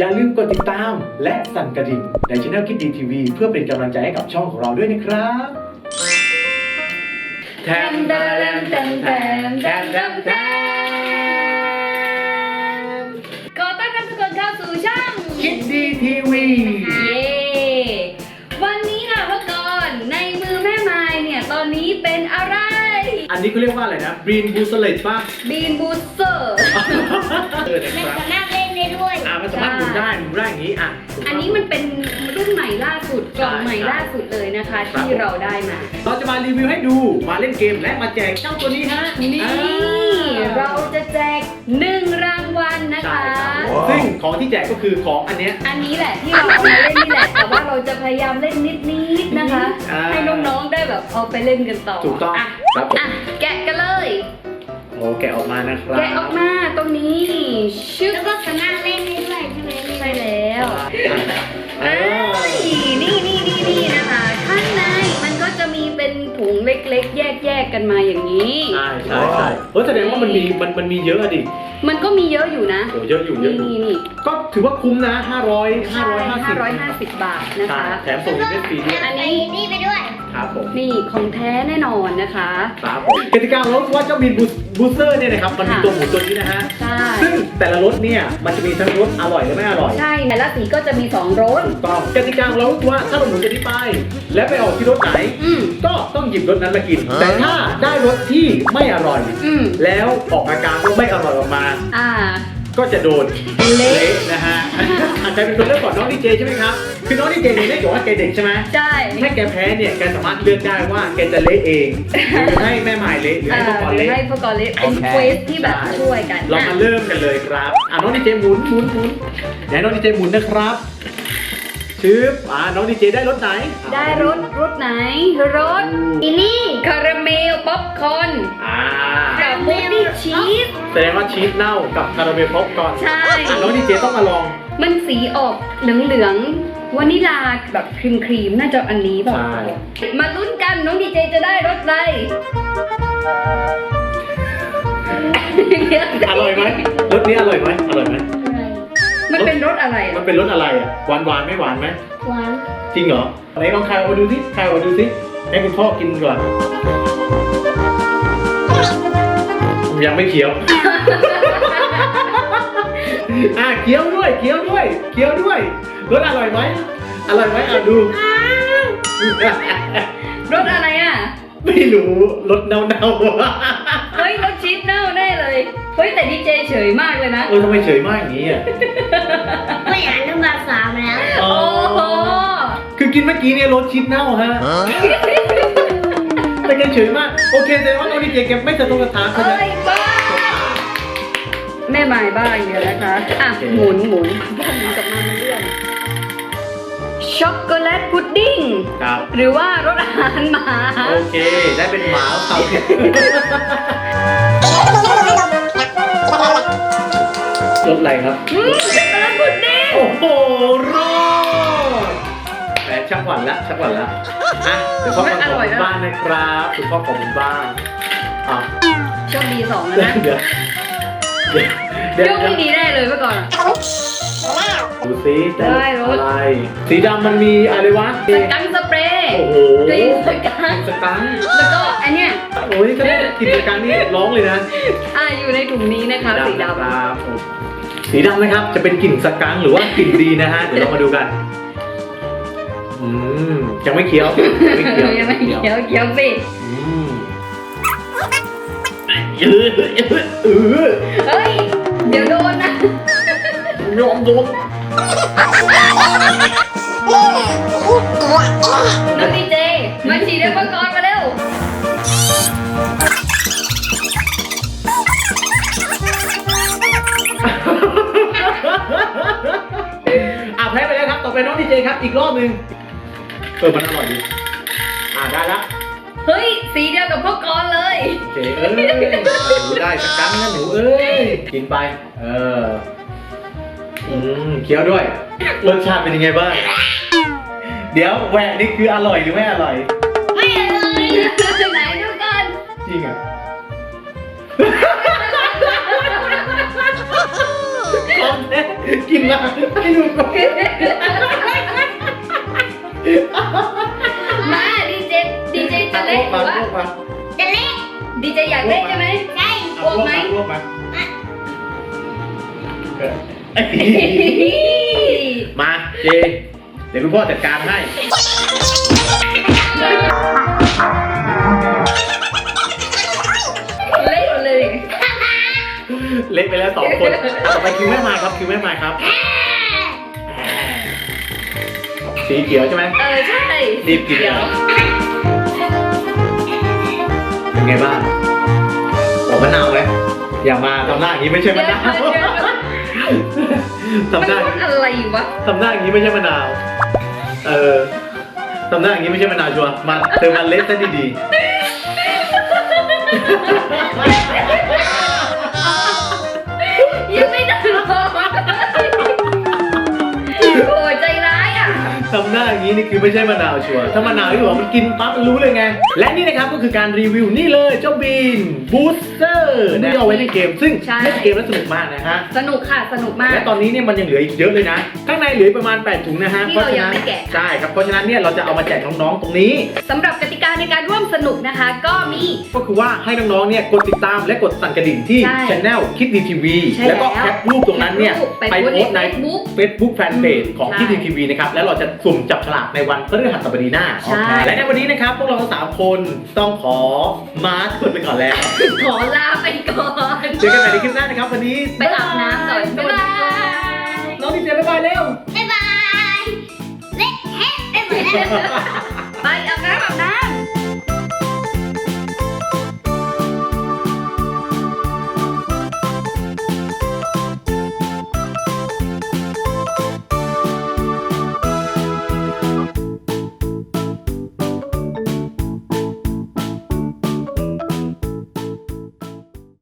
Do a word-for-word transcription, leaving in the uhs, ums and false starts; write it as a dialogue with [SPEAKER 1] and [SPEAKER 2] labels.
[SPEAKER 1] อย่าลืมกดติดตามและสั่นกระดิ่งในช่องคิดดีทีวีเพื่อเป็นกำลังใจให้กับช่องของเราด้วยนะครับแทมแทมแทมแทมแทมแทมแทม
[SPEAKER 2] ขอต้อนรับทุกคนเข้าสู่ช่อง
[SPEAKER 1] คิดดีทีวี
[SPEAKER 2] เย้วันนี้ค่ะพ่อกรณ์ในมือแม่ไม้เนี่ยตอนนี้เป็นอะไร
[SPEAKER 1] อันนี้เขาเรียกว่าอะไรนะบรีนบูสเลตป่ะ
[SPEAKER 2] บีนบูสเตอร์
[SPEAKER 1] เออนะ
[SPEAKER 3] มัน
[SPEAKER 1] ครับ
[SPEAKER 3] สามารถเล่นได้ด้วย
[SPEAKER 1] อ่ามันสามารถหมุนได้หมุนได้อย่างนี้อ่ะ
[SPEAKER 2] อันนี้มันเป็นรุ่นใหม่ล่าสุดกล่องใหม่ล่าสุดเลยนะคะ ที่เราได้มา
[SPEAKER 1] เราจะมารีวิวให้ดูมาเล่นเกมและมาแจกเจ้าตัวนี้ฮะ
[SPEAKER 2] นี่
[SPEAKER 1] อ่า
[SPEAKER 2] เราจะแจกหนึ่งรางวัลนะ
[SPEAKER 1] ใช่
[SPEAKER 2] คะ
[SPEAKER 1] ครับซึ่งของที่แจกก็คือของอันเนี้ย
[SPEAKER 2] อันนี้แหละที่เราเอามาเล่นนี่แหละ แต่ว่าเราจะพยายามเล่นนิดๆนะคะ
[SPEAKER 1] อ่า
[SPEAKER 2] ให้น้องๆได้แบบเอาไปเล่นกันต่อ
[SPEAKER 1] ถูกต้อง
[SPEAKER 2] อ่ะ
[SPEAKER 1] ครับผม
[SPEAKER 2] อ่ะแกะกันเลย
[SPEAKER 1] โอ้แกะออกมานะครับ
[SPEAKER 2] แกะออกมาตรงนี้ชึบ
[SPEAKER 3] แล้วก็สามารถเล่นได้ด้วยใช่ไหม
[SPEAKER 2] ใช่แล้ว
[SPEAKER 1] เอ
[SPEAKER 2] เอ้
[SPEAKER 1] อย
[SPEAKER 2] นี่นี่นี่นี่นะคะข้างในมันก็จะมีเป็นถุงเล็กๆ แยกๆกันมาอย่างนี้
[SPEAKER 1] ใช่ใช่ใช่เออแสดงว่ามันมีมันมันมีเยอะอะดิ
[SPEAKER 2] มันก็มีเยอะอยู่นะ
[SPEAKER 1] โอ้เยอะอยู่เย
[SPEAKER 2] นี่
[SPEAKER 1] อะอยู่
[SPEAKER 2] นี่นี่
[SPEAKER 1] ก็ถือว่าคุ้มนะห้าร้อยห้าร้อยห้าสิบ
[SPEAKER 2] ห้าร้อยห้าสิบบาทนะคะ
[SPEAKER 1] แถมส่งอีเวนต์ฟรีด้วย
[SPEAKER 2] อันนี้
[SPEAKER 3] นี่ไปด้วย
[SPEAKER 1] ครับผม
[SPEAKER 2] นี่ของแท้แน่นอนนะคะ
[SPEAKER 1] ครับผมกติกาของรถว่าเจ้าบินบูสเตอร์เนี่ยนะครับมันมี
[SPEAKER 2] ค่ะ
[SPEAKER 1] ตัวหมุนตัวนี้นะฮะ
[SPEAKER 2] ใช่
[SPEAKER 1] ซึ่งแต่ละรสเนี่ยมันจะมีทั้งรสอร่อยและไม่อร่อย
[SPEAKER 2] ใช่แต่ละสีก็จะมีสองรส
[SPEAKER 1] ถูกต้องกติกาของเราคือว่าถ้าเราหมุนตัวนี้ไป และไปออกที่รถไหน
[SPEAKER 2] อืม
[SPEAKER 1] ก็ต้องหยิบรสนั้นมากิน แต่ถ้าได้รสที่ไม่อร่อย
[SPEAKER 2] อืม
[SPEAKER 1] แล้วออกอาการว่าไม่อร่อยออกมา
[SPEAKER 2] อ่า
[SPEAKER 1] ก็จะโดน
[SPEAKER 2] เละ
[SPEAKER 1] นะฮะ อาจจะเป็นคนเลือกก่อนน้องดีเจใช่ไหมครับ คือน้องดีเจเนี่ยได้บอกว่าแกเด็กใช่ไหม
[SPEAKER 2] ใช่
[SPEAKER 1] ถ้าแกแพ้เนี่ยแกสามารถเลือกได้ว่าแกจะเละเองหรือให้แม่หมายเละหรือ
[SPEAKER 2] เอ่
[SPEAKER 1] ให้พ่อ
[SPEAKER 2] อ
[SPEAKER 1] ก่อน
[SPEAKER 2] หรือ
[SPEAKER 1] เละ
[SPEAKER 2] ให้พวกกอเละเป็นเควสที่แบบช่วยกัน
[SPEAKER 1] เรามาเริ่มกันเลยครับ อ่ะน้องดีเจหมุนหมุนหมุนไหนน้องดีเจหมุนนะครับชืบอ่าน้องดีเจได้รถไหน
[SPEAKER 2] ได้รสรสไหนรส
[SPEAKER 3] อีนี่
[SPEAKER 2] คาราเมลป๊อปคอร์น
[SPEAKER 1] อ่า
[SPEAKER 2] กับพุดดิ้งชีส
[SPEAKER 1] แสดงว่าชีสเน่ากับคาราเมลพ็อปก่อน
[SPEAKER 2] ใช่
[SPEAKER 1] อ่ะน้องดีเจต้องมาลอง
[SPEAKER 2] มันสีออกเหลืองๆวานิลาแบบครีมครีมๆน่าจะอันนี้เปล่า
[SPEAKER 1] ใช่
[SPEAKER 2] มาลุ้นกันน้องดีเจจะได้รสอะไร
[SPEAKER 1] อร่อยไหมรสนี้อร่อยไหมอร่อยไหม
[SPEAKER 3] อะไร
[SPEAKER 2] มันเป็นรสอะไร
[SPEAKER 1] มัน
[SPEAKER 2] อ่ะ
[SPEAKER 1] เป็นรสอะไรอ่ะหวานหวานไหม่หวานไหม
[SPEAKER 3] หวาน
[SPEAKER 1] จริงเหรอไหนลองคายออกมาดูสิคายออกมาดูสิให้คุณพ่อกินก่อนยังไม่เคี้ยว อ่ะเคี้ยวด้วยเคี้ยวด้วยเคี้ยวด้วยรสอร่อยไหมอร่อยไหมอ่ะดู
[SPEAKER 2] รสอะไรอ่ะ
[SPEAKER 1] ไม่รู้รสเน่าเน่า
[SPEAKER 2] เฮ้ยรสชีสเน่าแน่เลยเฮ้ยแต่ดีเจเฉยมากเลยนะ
[SPEAKER 1] เออทำไมเฉยมากอย่างนี้อ่ะ
[SPEAKER 3] ไม่อ่านน้ำบาสามแล้ว
[SPEAKER 1] อ๋อ
[SPEAKER 2] โอ้โห
[SPEAKER 1] คือกินเมื่อกี้เนี่ยรสชีสเน่าฮะแต่แกเฉยมากโอเคแต่ว่าน้องดีเจแกไม่สะทกสะท้านใช่ไหม
[SPEAKER 2] เอ้ยบ้าแม่ไม้บ้าอย่างเดียวนะคะอ่ะ
[SPEAKER 1] โอเค
[SPEAKER 2] หมุนหมุนหมุนกลับมามันเลื่อนช็อกโกแลตพุดดิ้ง
[SPEAKER 1] ครับ
[SPEAKER 2] หรือว่ารสอาหารหมา
[SPEAKER 1] โอเค ได้เป็นหมาเขาผิดรสอะไรครับ
[SPEAKER 2] อืมช็อกโกแลตพุดดิ้ง
[SPEAKER 1] โอ้โหรอดแหมชักหวั่นละชักหวั่นละอ่ะเดี๋ยวพ่อของคุณบ้านนะครับคุณพ่อของคุณบ้านอ่ะ
[SPEAKER 2] โชคดีสองแล้ว
[SPEAKER 1] เดี๋ยว
[SPEAKER 2] นะ
[SPEAKER 1] เดี๋ยวเดี๋ยว
[SPEAKER 2] โชคไม่ดีแน่เลยเมื่อก่อน
[SPEAKER 1] ดูสิแต่
[SPEAKER 2] ได้รส
[SPEAKER 1] อะไร สีดำมันมีอะไรวะ
[SPEAKER 2] สกังสเปรย์
[SPEAKER 1] โอ้โห
[SPEAKER 2] กลิ่นสกัง
[SPEAKER 1] สกัง
[SPEAKER 2] แล้วก็อันเนี้ย
[SPEAKER 1] โอ้ยถ้าได้กลิ่นสกังนี่ร้องเลยนะ
[SPEAKER 2] อ่าอยู่ในถุงนี้นะคะสีดำ
[SPEAKER 1] นะครับสีดำนะครับจะเป็นกลิ่นสกังหรือว่ากลิ่นดีนะฮะเดี๋ยวเรามาดูกันอืมยังไม่เคี้ยวยังไม่เคี้ยว
[SPEAKER 2] ยังไม่เขียวเขียวสิ
[SPEAKER 1] อืมเออเออ
[SPEAKER 2] เฮ้ยเดี๋ยวโดนนะ
[SPEAKER 1] ยอมโดน
[SPEAKER 2] น้องดีเจมาฉีดอุปกรณ์มาเร็ว
[SPEAKER 1] อ่ะแพ้ไปแล้วครับต่อไปน้องดีเจครับอีกรอบหนึ่งเออมันอร่อยดีอ่ะได้ละ
[SPEAKER 2] เฮ้ยสีเดียวกับพวกกรณ์เลย
[SPEAKER 1] โอเคเอ้ยหนูได้สักครั้งนะหนูเอ้ยกินไปเอออืมเคี้ยวด้วยรสชาติเป็นยังไงบ้างเดี๋ยวแหวกนี่คืออร่อยหรือไม่อร่อย
[SPEAKER 3] ไม่อร่อย
[SPEAKER 2] ไหนดูกัน
[SPEAKER 1] จริงอ่ะของแท้กินมาให้ดูก่อน
[SPEAKER 2] มาดีเจดีเจจะเล่นหรือว่า
[SPEAKER 1] มา
[SPEAKER 3] จะเล็ก
[SPEAKER 2] ดีเจอยากเล่นใช่ไหม
[SPEAKER 3] ใช่
[SPEAKER 2] กลัวไหม
[SPEAKER 1] รวบมามาเจเดี๋ยวคุณพ่อจัดการให้
[SPEAKER 2] เล่นหมดเลย
[SPEAKER 1] เละไปแล้วสองคนต่อไปคิวแม่ไม้ครับคิวแม่ไม้ครับสีเขียวใช่ไหม
[SPEAKER 2] เออใช่
[SPEAKER 1] รีบกิน
[SPEAKER 2] เดี๋ยว
[SPEAKER 1] เป็นไงบ้างบอกมะนาวไหมอย่ามาทำหน้าอย่างนี้ไม่ใช่มะนาวทำหน้า
[SPEAKER 2] มันอะไรวะ
[SPEAKER 1] ทำหน้าอย่างนี้ไม่ใช่มะนาวเออทำหน้าอย่างนี้ไม่ใช่มะนาวชัวร์มาเธอมาเละซะดีๆ
[SPEAKER 2] ยังไม่ได้หรอกโอ้ยใจร้ายอ่ะ
[SPEAKER 1] ทำหน้าอย่างนี้นี่คือไม่ใช่มะนาวชัวร์ถ้ามะนาวที่บอกมันกินปั๊บมันรู้เลยไงและนี่นะครับก็คือการรีวิวนี่เลยเจ้าบีนบูสเตอร์ที่เอาไว้ในเกมซึ่ง
[SPEAKER 2] ใช่
[SPEAKER 1] เล่นเกมแล้วสนุกมากนะฮะ
[SPEAKER 2] สนุกค่ะสนุกมาก
[SPEAKER 1] และตอนนี้เนี่ยมันยังเหลืออีกเยอะเลยนะข้างในเหลือประมาณแปดถุงนะฮะ
[SPEAKER 2] ที่
[SPEAKER 1] เพราะ
[SPEAKER 2] เรา
[SPEAKER 1] ฉะ
[SPEAKER 2] ยัง
[SPEAKER 1] นั้น
[SPEAKER 2] ไม่แกะ
[SPEAKER 1] ใช่ครับเพราะฉะนั้นเนี่ยเราจะเอามาแจกน้องๆตรงนี้
[SPEAKER 2] สำหรับกติกาในการร่วมสนุกนะคะ ก็มี
[SPEAKER 1] ก็คือว่าให้น้องๆเนี่ยกดติดตามและกดสั่นกระดิ่งที่
[SPEAKER 2] ใช่
[SPEAKER 1] channel คิดดีทีวี
[SPEAKER 2] ใช่
[SPEAKER 1] แล้วก็
[SPEAKER 2] แล้ว
[SPEAKER 1] แคปรูปตรงนั้นเนี่ย
[SPEAKER 2] ไป
[SPEAKER 1] ไป
[SPEAKER 2] โพ
[SPEAKER 1] โพ
[SPEAKER 2] ส
[SPEAKER 1] ส
[SPEAKER 2] ต์
[SPEAKER 1] ต์
[SPEAKER 2] ใน
[SPEAKER 1] ใน
[SPEAKER 2] Facebook
[SPEAKER 1] Facebook Fanpage ของ
[SPEAKER 2] ใช่
[SPEAKER 1] คิดดีทีวีนะครับแล้วเราจะสุ่มจับฉลากในวันพฤหัสบดีหน้า
[SPEAKER 2] ใช่
[SPEAKER 1] และในวันนี้นะครับพวกเราทั้งสามคนต้องขอมาร์คคนไปก่อนแล้ว
[SPEAKER 2] ขอลาไปก่อน
[SPEAKER 1] เจอกันใหม่ในคลิปหน้านะครับวันนี้
[SPEAKER 2] ไปอาบน้ำก่อนบ๊ายบาย
[SPEAKER 1] น้องดีเจบ๊ายบายเร็ว
[SPEAKER 3] บ๊ายบายเล็กแฮะไปหมดแล้ว
[SPEAKER 2] ไปอาบน้ำอาบน้